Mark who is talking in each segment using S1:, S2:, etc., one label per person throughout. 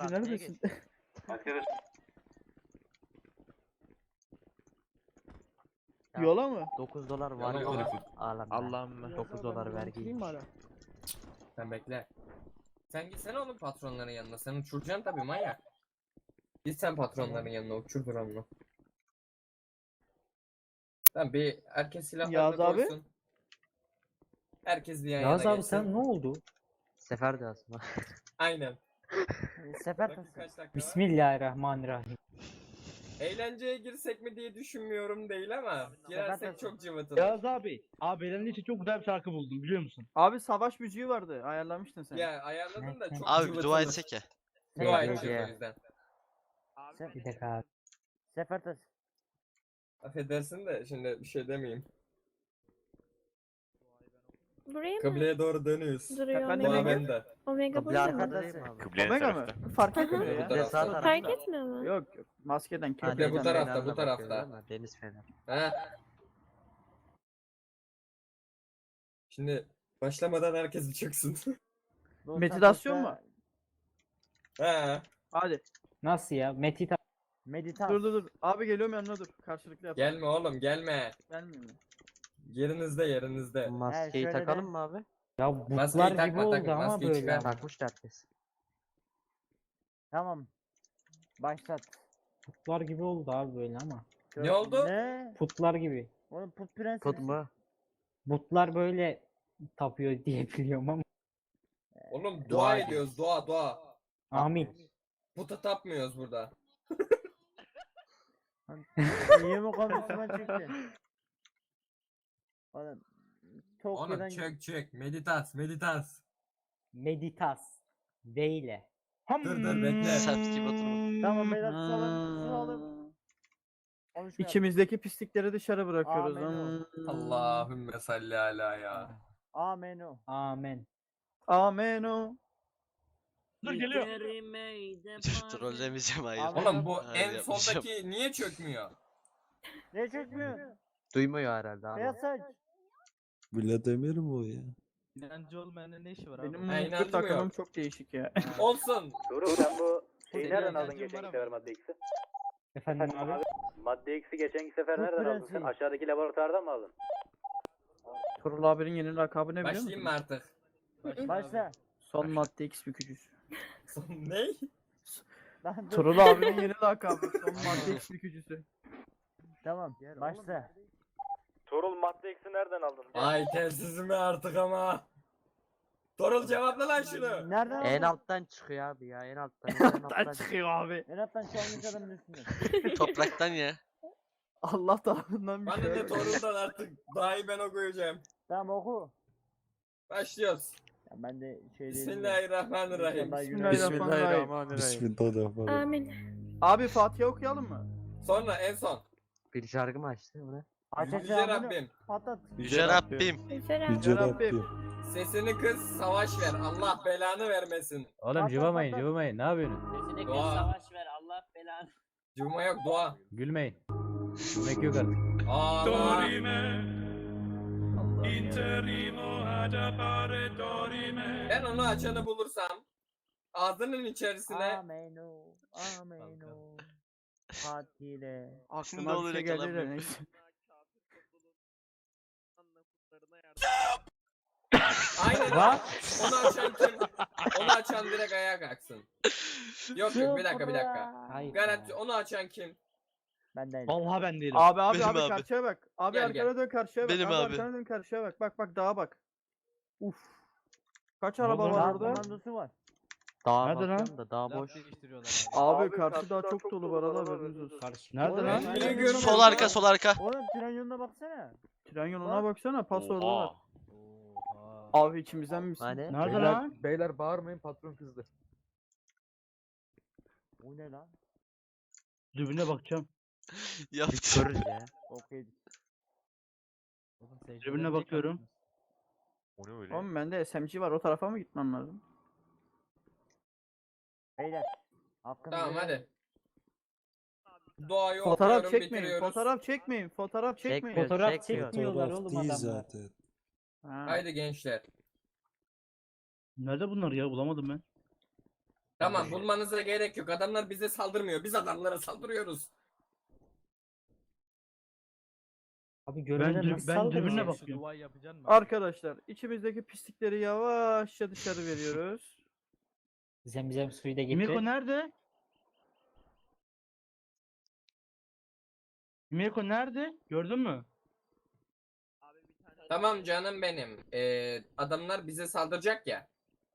S1: abi,
S2: neredesin?
S3: Arkadaş
S1: Ya,
S2: Yola mı?
S1: 9 dolar var
S4: Yalan
S1: ya.
S4: herif.
S1: Ağlam
S4: Allah'ım
S1: ben.
S4: be.
S1: 9 dolar vergi.
S4: Sen bekle. Sen gitsene oğlum patronların yanına. Sen uçuracaksın tabii manyak. Git sen patronların yanına uçur drone'unu. Tamam bir herkes
S2: Yağız
S4: silahlarını
S2: abi?
S4: koysun. Herkes bir yan
S5: Yağız
S4: yana
S5: abi
S4: geçsin.
S5: sen ne oldu?
S1: Sefer de aslında.
S4: Aynen.
S1: Sefer
S4: Bakın kaç dakika var?
S5: Bismillahirrahmanirrahim.
S4: Eğlenceye girsek mi diye düşünmüyorum değil ama girersek çok cıvıtılır.
S6: Yağız abi. Abi benim için çok güzel bir şarkı buldum biliyor musun?
S2: Abi savaş müziği vardı. Ayarlamıştın sen.
S4: Ya ayarladım da çok
S7: Abi bir
S4: cıvıtılır.
S7: dua etsek ya.
S4: Dua
S1: Şey,
S4: edeceğiz o
S1: şey.
S4: yüzden.
S5: Bir dakika abi.
S1: Sefer de
S4: Affedersin de şimdi bir şey demeyeyim.
S8: Buraya mı
S4: Kıbleye doğru dönüyoruz.
S8: duruyor
S2: Ben de
S4: Dua
S8: Omega?
S2: bekliyorum.
S4: bende.
S8: Omega
S1: Kıble
S8: burada mı?
S1: arkada değil mi abi?
S2: Omega mı? Fark
S8: Hı hı.
S2: etmiyor
S4: Bu
S2: ya.
S4: tarafta.
S1: Sağ tarafta.
S8: Fark etmiyor mu?
S2: Yok yok. Maskeden
S1: Ha,
S4: Kıble bu
S2: kirpikten.
S4: tarafta,
S1: fenerle
S4: bu tarafta.
S1: bakıyoruz ama Deniz fener.
S4: Ha. Şimdi başlamadan herkes bir çıksın.
S2: Meditasyon mu?
S4: Ha.
S2: Hadi.
S5: Nasıl ya?
S2: Dur dur dur. Abi geliyorum yanına dur. Karşılıklı yap.
S4: Gelme oğlum gelme.
S2: Gelmiyor mu?
S4: Yerinizde yerinizde.
S1: Maskeyi
S5: şöyle
S1: takalım
S5: de-
S1: mı abi?
S5: Ya
S4: Maskeyi
S5: butlar gibi
S4: takma,
S5: oldu
S4: takma,
S5: ama
S4: maskeyi
S5: böyle.
S4: çıkar.
S1: Takmış herkes.
S9: Tamam. Başlat.
S5: Putlar gibi oldu abi böyle ama.
S4: Ne oldu?
S9: Ne?
S5: Putlar gibi.
S9: Oğlum put prensi.
S1: Put mu?
S5: Butlar böyle tapıyor diye biliyorum ama.
S4: Oğlum
S1: Dua
S4: dua
S1: ediyoruz.
S4: ediyoruz dua dua.
S5: Amin.
S4: Puta tapmıyoruz burada.
S9: İyi mi konuşma çıktı? Oğlum. Çok
S4: Oğlum
S9: yerden
S4: çök meditas meditas.
S5: Meditas. V ile.
S4: Dur bekle.
S7: Seps gibi oturma.
S9: Tamam beyler susalım. Konuşma.
S2: İçimizdeki pislikleri dışarı bırakıyoruz.
S9: Amin.
S4: Allahümme salli ala ya.
S9: Amenu.
S5: Amen.
S2: Amen o.
S6: Dur geliyor.
S7: Trollemeyeceğim hayır.
S4: Oğlum bu
S7: Hayır,
S4: en
S7: yapmayacağım.
S4: soldaki niye çökmüyor?
S9: Ne çekmiyor?
S1: Duymuyor herhalde abi.
S9: Beyaz saç.
S10: Vladimir mi o ya?
S6: İnancı olmayanın ne işi var abi?
S2: Benim
S4: Ha,
S2: mutlu
S4: inancım
S2: takımım
S4: yok.
S2: çok değişik ya.
S4: Olsun.
S3: Doruk sen bu şeyi
S6: Senin
S3: nereden aldın
S6: inancın
S3: geçen
S6: var ama.
S3: sefer madde X'i?
S5: Efendim abi.
S3: Madde X'i geçen sefer
S9: Bu
S3: nereden aldın sen?
S9: prensi.
S3: Aşağıdaki laboratuvardan mı aldın?
S2: Turul abinin yeni lakabı ne biliyor
S4: Başlayayım
S2: musun?
S4: mı artık?
S9: Başla.
S2: Son madde X bükücüsü.
S4: ne?
S9: Lan dur.
S2: Turul abinin yeni lakabı. Son madde X bükücüsü.
S9: Tamam. Başla.
S3: Torul madde X'i nereden aldın?
S4: Ay telsizimi artık ama. Torul cevapla lan şunu.
S9: Nereden
S1: En
S9: aldın?
S1: alttan çıkıyor abi ya en alttan. En alttan
S2: çıkıyor abi.
S9: En alttan çalmış adamın üstüne.
S7: Topraktan ya.
S2: Allah tarafından bir
S4: Bana
S2: şey.
S4: ne Torul'dan artık daha iyi ben okuyacağım.
S9: Tamam oku.
S4: Başlıyoruz.
S9: Ya ben de şey değilim de.
S4: Bismillahirrahmanirrahim.
S9: İnşallah
S2: Bismillahirrahmanirrahim.
S10: Bismillahirrahmanirrahim.
S8: Amin.
S2: Abi Fatiha okuyalım mı?
S4: Sonra en son.
S1: Bir şarkı mı açtı o ne?
S9: Aç aç
S4: Yüce
S9: ya bunu.
S4: Rabbim.
S9: Patlat.
S7: Yüce Rabbim.
S8: Güzel
S10: Yüce
S2: Rabbim.
S10: Rabbim.
S4: Sesini kız savaş ver. Allah belanı vermesin.
S5: Oğlum
S9: cıvamayın,
S5: cıvamayın. Ne yapıyorsun?
S11: Sesini
S4: Dua.
S11: savaş ver Allah belanı.
S4: Cuma yok dua.
S5: Gülmeyin. Gülmek yok artık.
S4: Allah. Ben onu açanı bulursam ağzının içerisine
S9: Amenu. Amenu. Fatih'le.
S7: Ne
S2: Aklıma bir
S7: olur
S2: şey geldi de
S7: yakalanmayayım.
S2: neyse.
S4: aynen
S5: Bak.
S4: onu açan kim? Onu açan direkt ayağa kalksın. Yok bir dakika.
S5: Hayır.
S4: Garanti onu açan kim?
S9: Ben değilim.
S6: Vallahi ben değilim.
S2: Abi
S7: Benim
S2: abi
S7: abi.
S2: karşıya bak. Abi
S4: Gel,
S2: arkana dön karşıya bak.
S7: Benim
S2: abi.
S7: abi.
S2: Arkana dön karşıya bak. Bak dağa bak. Uf. Kaç
S6: Ne
S2: araba
S6: oldu
S2: var
S9: Dağ
S2: orada?
S9: komandosu var.
S1: Dağa
S6: Nerede lan?
S1: bakıyorum da dağ boş.
S2: Abi karşı dağ çok dolu bu arada haberiniz olsun.
S6: Nerede
S9: Oğlum,
S6: lan?
S9: ben
S4: Biri
S9: tren
S4: görmüyor.
S7: Sol
S9: yoluna-
S7: arka sol arka.
S9: Oğlum tren yoluna baksana.
S2: Tren yoluna baksana pas orada var.
S6: Oha.
S2: Abi içimizden misin?
S1: Hani?
S6: Nerede lan? Beyler bağırmayın patron kızdı.
S9: Bu ne lan?
S6: Dürbüne bakacağım.
S7: Yaptı.
S1: Görürüz ya.
S9: Okey.
S6: Dürbüne bakıyorum.
S7: O ne öyle?
S2: Oğlum bende SMG var o tarafa mı gitmem lazım?
S9: Beyler. Hakkınızı
S4: Tamam
S9: helal
S4: hadi. Doğayı
S2: Fotoğraf
S4: okuyorum,
S2: çekmeyin.
S4: bitiriyoruz.
S2: Fotoğraf çekmeyin. Fotoğraf çekmeyin.
S1: Çekmiyor.
S5: Fotoğraf
S1: Çekmiyor.
S5: çekmiyorlar
S10: Fotoğraf
S5: oğlum
S10: değil
S5: adamlar.
S10: zaten.
S2: Ha.
S4: Haydi gençler.
S6: Nerede bunlar ya bulamadım ben.
S4: Tamam bulmanıza gerek yok. Adamlar bize saldırmıyor. Biz adamlara saldırıyoruz.
S5: Abi görevden nasıl
S6: Ben
S5: saldıracağız?
S6: dürbünle bakıyorum. Duayı yapacaksın mı?
S2: Arkadaşlar içimizdeki pislikleri yavaşça dışarı veriyoruz.
S5: Zemzem suyu da getir.
S6: Miko nerede? Miko nerede? Gördün mü?
S4: Tamam canım benim. Adamlar bize saldıracak ya.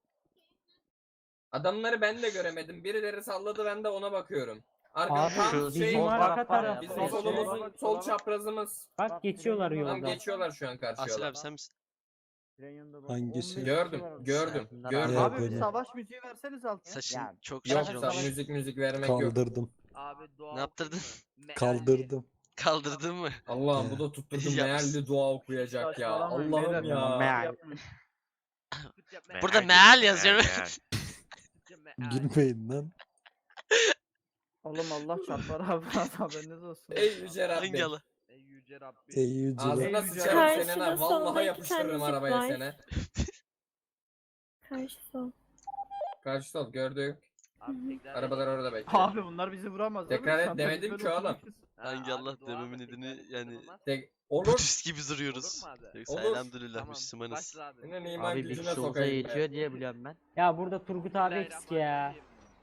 S4: Adamları ben de göremedim. Birileri salladı, ben de ona bakıyorum.
S5: Abi
S4: Tam
S1: şu
S5: bizim
S1: sol
S5: arka
S1: taraf var ya,
S5: taraf.
S4: bizim
S1: sol
S4: solumuzun sol çaprazımız.
S5: Bak geçiyorlar
S4: Tam
S5: yoldan.
S4: geçiyorlar şu an karşı
S7: Asil
S4: yola.
S7: abi sen misin?
S9: Tren yolunda bak,
S10: Hangisi?
S9: 15 kişi
S4: Gördüm,
S9: var orada.
S4: gördüm,
S1: Bunlar
S4: gördüm.
S10: Ya
S2: Abi
S10: böyle.
S2: savaş müziği verseniz altına.
S7: Saçın
S9: Ya,
S7: çok
S4: Yok
S7: güzel
S4: sağ
S7: olmuş.
S4: müzik vermek yok.
S10: Kaldırdım.
S8: Abi dua
S7: Ne yaptırdın?
S8: okuyayım mı?
S10: Kaldırdım.
S7: Kaldırdın mı?
S4: Allah'ım bu da tutturdum
S7: Yapsın.
S4: mealli dua okuyacak ya.
S2: Saçmalamayın
S4: Allah'ım
S2: beyler,
S4: ya.
S1: Meal.
S7: Burada meal yazıyor.
S10: Girmeyin lan.
S2: Oğlum Allah çarpar abi haberiniz olsun.
S4: Ey yüce
S7: Hangi
S4: Rabbim.
S7: Allah?
S8: Ey yüce Rabbim.
S10: Ey yüce
S4: Ağzına
S2: Ey yüce
S4: sıçarım
S2: Rabbim.
S4: senin ha. Vallahi yapıştırırım arabaya seni.
S11: Karşı sol.
S4: Karşı sol gördük.
S8: Abi tekrar
S4: Arabalar orada bekliyor.
S2: Abi bunlar bizi vuramaz.
S4: Tekrar
S2: abi.
S4: et
S2: Sen
S4: demedim
S2: böyle
S4: ki oğlum.
S2: oturmuşsun.
S7: Hangi
S8: Abi
S7: Allah
S8: dua
S7: dememin
S8: da
S7: nedeni
S8: tekrar
S7: yani
S8: olmaz.
S4: Olur.
S7: Budist gibi duruyoruz.
S8: Olur mu abi?
S7: Yoksa
S4: Olur.
S7: elhamdülillah
S8: Tamam,
S7: Müslümanız.
S8: başla abi.
S4: Senin iman
S1: Abi bir
S4: gücüne
S1: kişi olsa
S4: sokayım
S1: yetiyor diye biliyorum ben.
S5: Ya burada Turgut abi eksik ya.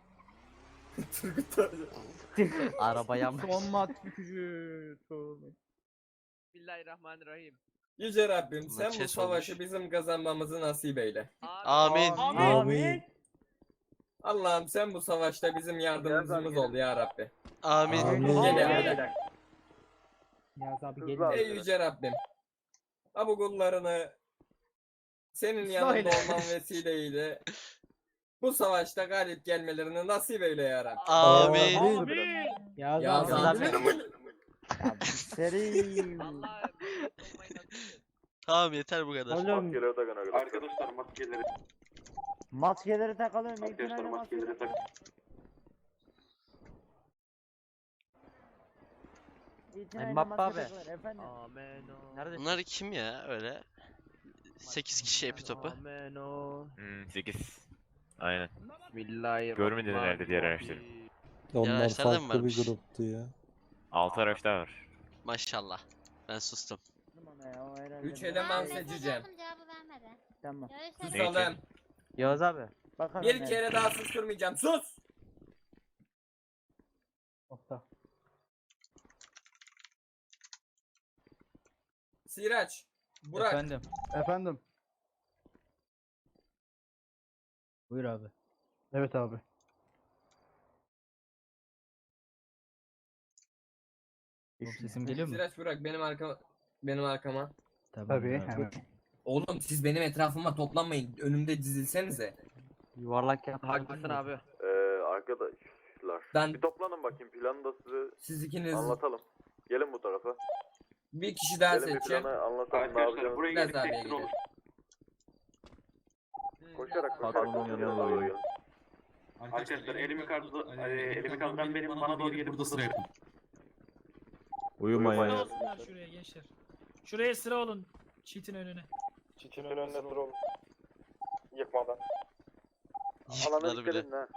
S1: Araba yanmış.
S2: Son mat gücü.
S8: Bismillahirrahmanirrahim.
S4: Yüce Rabbim sen bu
S7: Maçes
S4: savaşı
S7: olmuş.
S4: bizim kazanmamızı nasip eyle.
S7: Amin.
S10: Amin.
S4: Allah'ım sen bu savaşta bizim yardımcımız ol ya Rabbi.
S7: Amin.
S10: Amin.
S4: Gel
S5: Yaz abi gelin.
S4: Ey yüce Rabbim. Ha bu kullarını senin
S2: İsmail.
S4: yanında olman vesileyle bu savaşta galip gelmelerini nasip eyle ya Rabbi.
S7: Amin.
S5: Yaz
S4: Ya
S5: abi.
S4: zaten
S9: Ya bir seri.
S8: Allah'ım.
S7: Tamam yeter bu kadar.
S5: Oğlum
S3: Arkadaşlar maskeleri.
S9: Maskeleri takalım. Arkadaşlar maskeleri tak.
S1: Mbappe abi.
S9: Efendim.
S8: Ameno.
S1: Nerede?
S7: Bunlar kim ya öyle? 8 kişi epi topu.
S8: Ameno.
S3: 8. Aynen.
S8: Bismillahirrahmanirrahim.
S3: Görmedin herhalde diğer araçları.
S10: Onlar
S7: araçlarda mı
S10: farklı bir
S7: varmış?
S10: gruptu ya.
S3: 6 araç daha var.
S7: Maşallah. Ben sustum.
S4: 3 eleman seçeceğim.
S11: Cevabı vermedi.
S9: Tamam.
S4: Susalım.
S1: Yavuz abi.
S9: Bakalım.
S4: Bir kere daha susturmayacağım. Sus!
S5: Nokta.
S4: Siraç. Burak.
S6: Efendim.
S2: Efendim.
S6: Buyur abi. Evet abi. Oğlum sesim geliyor mu?
S4: Siraç Burak benim arkama.
S2: Tabii. Hemen.
S4: Oğlum siz benim etrafıma toplanmayın. Önümde dizilsenize.
S1: Yuvarlak yap.
S8: Haklısın abi.
S3: Arkadaşlar.
S4: Ben
S3: Bir toplanın bakayım, planı da size
S4: siz ikiniz
S3: anlatalım. Gelin bu tarafa.
S4: bir kişi daha
S3: Gelin bir
S4: seçeceğim.
S3: planı anlatalım, ne yapacağınızı.
S4: Biraz abiye gidelim.
S3: Koşarak
S1: Patronun yanına doğru
S3: gelin.
S12: Arkadaşlar elimi kaldıran benim, bana doğru gelip burada sıra yapın.
S3: Uyumayın.
S8: Şuraya gençler. Şuraya sıra olun. Çiğitin önüne.
S3: Çiçinin önüne sıra olun. Yıkmadan.
S7: Yıktılar
S3: Alana
S7: bile.
S3: dikkat edin ha.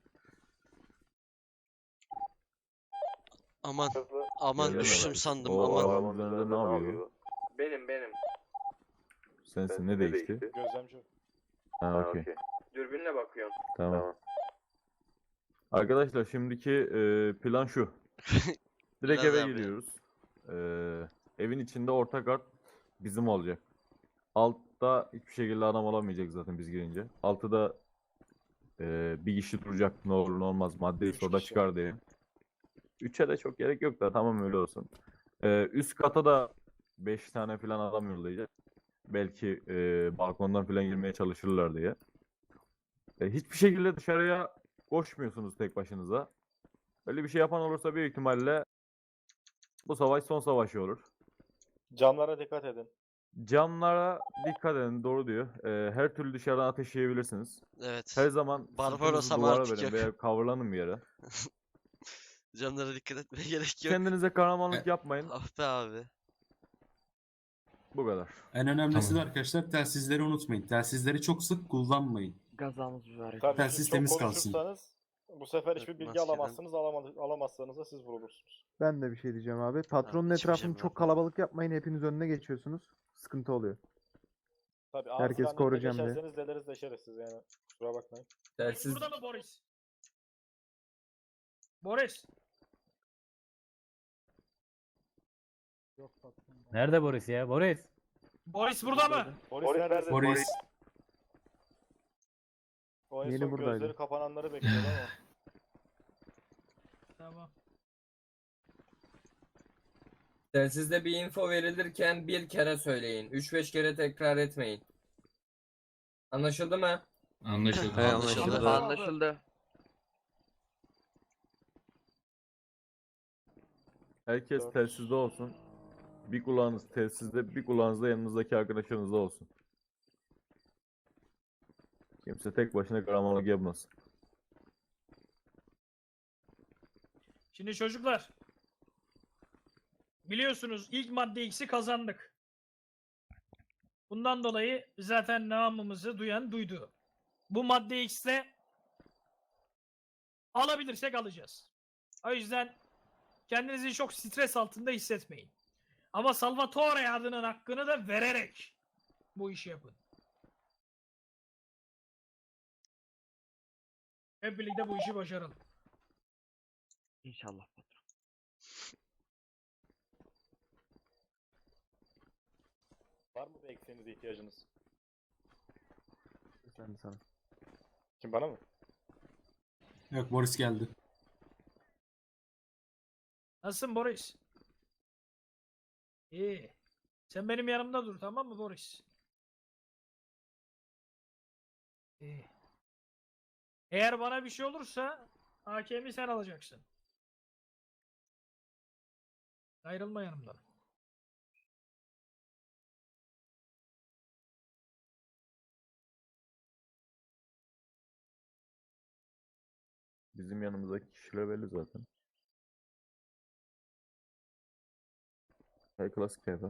S7: Aman.
S3: Hızlı.
S7: Aman
S3: Geliyor
S7: düştüm
S3: mu?
S7: sandım
S3: Oo,
S7: aman.
S3: arabanın üzerinde ne yapıyor?
S4: Benim.
S10: Sensin ne değişti?
S3: Gözlemci.
S10: Ha okey.
S4: Dürbünle bakıyorum.
S10: Tamam. Arkadaşlar şimdiki plan şu. Direkt
S7: Biraz
S10: eve
S7: abi.
S10: giriyoruz. Evin içinde orta kart bizim olacak. Altta hiçbir şekilde adam olamayacak zaten biz girince. Altıda bir kişi duracak, ne olur ne olmaz, madde soda çıkar diye. 3'e de çok gerek yok da tamam öyle olsun. Üst kata da 5 tane falan adam yollayacak. Belki balkondan falan girmeye çalışırlar diye. Hiçbir şekilde dışarıya koşmuyorsunuz tek başınıza. Öyle bir şey yapan olursa büyük ihtimalle bu savaş son savaşı olur.
S3: Camlara dikkat edin.
S10: Camlara dikkat edin, doğru diyor. Her türlü dışarıdan ateş yiyebilirsiniz.
S7: Evet.
S10: Her zaman
S7: Barbaros
S10: sırtınızı
S7: ama
S10: duvara
S7: artık
S10: verin
S7: yok.
S10: veya kavurlanın bir yere.
S7: Canlara dikkat etmeye gerek yok.
S10: Kendinize kahramanlık yapmayın.
S7: Ah be abi.
S10: Bu kadar.
S12: En önemlisi de arkadaşlar telsizleri unutmayın. Telsizleri çok sık kullanmayın.
S1: Gazamız mübarek.
S3: Tabii
S11: Telsiz
S3: siz çok
S11: temiz kalsın.
S3: konuşursanız bu sefer hiçbir bilgi
S7: Maskeden-
S3: alamazsınız. Alamazsanız da siz vurulursunuz.
S9: Ben de bir şey diyeceğim abi. Patronun
S7: içmeyeceğim
S9: etrafını
S7: ben.
S9: çok kalabalık yapmayın. Hepiniz önüne geçiyorsunuz. Sıkıntı oluyor.
S3: Tabii
S9: Herkes
S3: ağzı
S9: koruyacağım diye.
S3: geçerseniz deleriz deşeriz siz yani. Kusura bakmayın.
S8: Boris
S4: Telsiz
S8: burada mı Boris? Boris.
S6: Nerede Boris ya? Boris.
S8: Boris burada mı?
S3: Boris nerede?
S11: Boris.
S3: O en
S9: Yeni
S3: son
S9: buradaydı.
S3: gözleri kapananları bekliyordu ama.
S8: Tamam.
S4: telsizde bir info verilirken bir kere söyleyin. 3-5 kere tekrar etmeyin. Anlaşıldı mı?
S11: Anlaşıldı.
S7: Anlaşıldı.
S1: Anlaşıldı.
S10: Herkes
S3: Dört.
S10: telsizde olsun. Bir kulağınız telsizde, bir kulağınız da yanınızdaki arkadaşlarınızda olsun. Kimse tek başına kahramanlık yapmasın.
S8: Şimdi çocuklar. Biliyorsunuz ilk madde X'i kazandık. Bundan dolayı zaten namımızı duyan duydu. Bu madde X'te alabilirsek alacağız. O yüzden kendinizi çok stres altında hissetmeyin. Ama Salvatore adının hakkını da vererek bu işi yapın. Hep birlikte bu işi başaralım.
S1: İnşallah.
S3: Var mı bir eksiğinize ihtiyacınız?
S9: Sen de sana.
S3: Kim bana mı?
S11: Yok, Boris geldi.
S8: Nasılsın Boris? İyi. Sen benim yanımda dur, tamam mı Boris? İyi. Eğer bana bir şey olursa hakemi sen alacaksın. Ayrılma yanımdan.
S10: Bizim yanımızdaki kişiler belli zaten. Hey klasik tayfa.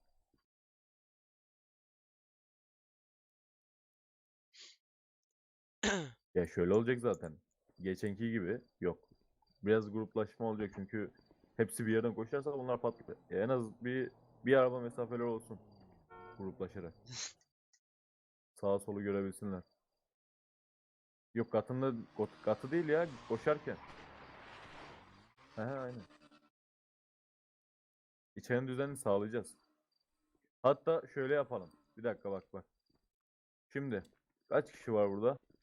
S10: Ya şöyle olacak zaten. Geçenki gibi yok. Biraz gruplaşma olacak çünkü hepsi bir yerden koşarsa bunlar patlar. En az bir araba mesafeleri olsun gruplaşarak. Sağa solu görebilsinler. Yok katı değil ya koşarken. He aynen. İçerinin düzenini sağlayacağız. Hatta şöyle yapalım. Bir dakika bak. Şimdi kaç kişi var burada?